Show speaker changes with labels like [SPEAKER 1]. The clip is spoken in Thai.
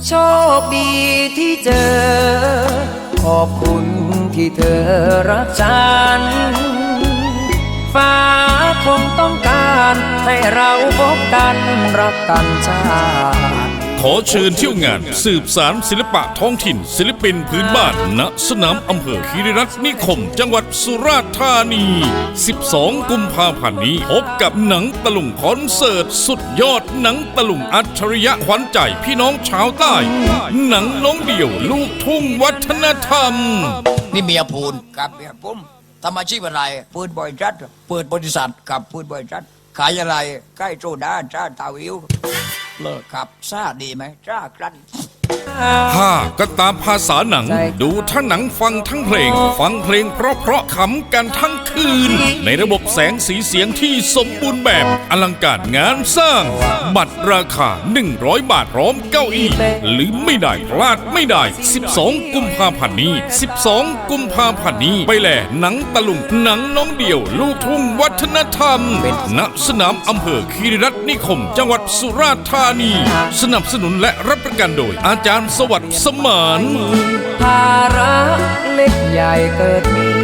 [SPEAKER 1] โชคดีที่เจอขอบคุณที่เธอรักฉันฟ้าคงต้องการให้เราพบกันรักกันชาติ
[SPEAKER 2] ขอเชิญเที่ยวงานสืบสารศิลปะท้องถิ่นศิลปินพื้นบ้านณสนามอำเภอคีรีรัตน์นิคมจังหวัดสุราษฎร์ธานี 12 กุมภาพันธ์นี้พบกับหนังตะลุงคอนเสิร์ตสุดยอดหนังตะลุงอัจฉริยะขวัญใจพี่น้องชาวใต้หนังน้องเดี่ยวลูกทุ่งวัฒนธรรม
[SPEAKER 3] นี่เมียพูน
[SPEAKER 4] กับเมียผม
[SPEAKER 3] ทำอาชีพอะไร
[SPEAKER 4] ปืนบริษัท
[SPEAKER 3] เปิดบริษัท
[SPEAKER 4] กับปืนบริษัท
[SPEAKER 3] ขายอะไร
[SPEAKER 4] ใกล้โซดาจ้าตาวิว
[SPEAKER 3] เลิกครับซาดีไหม
[SPEAKER 4] จ้าครัน
[SPEAKER 2] ถ้าก็ตามภาษาหนังดูทั้งหนังฟังทั้งเพลงฟังเพลงเพราะขำกันทั้งคืนในระบบแสงสีเสียงที่สมบูรณ์แบบอลังการงานสร้างบัตรราคา100 บาทพร้อมเก้าอี้หรือไม่ได้พลาดไม่ได้12 กุมภาพันธ์นี้12 กุมภาพันธ์นี้ไปแลหนังตะลุงหนังน้องเดี่ยวลูกทุ่งวัฒนธรรมณสนามอำเภอคีรีรัตน์นิคมจังหวัดสุราษฎร์ธานีสนับสนุนและรับประกันโดยอาจารย์สวัสดิ์สมาน
[SPEAKER 1] ภาระเล็กใหญ่เกิดมี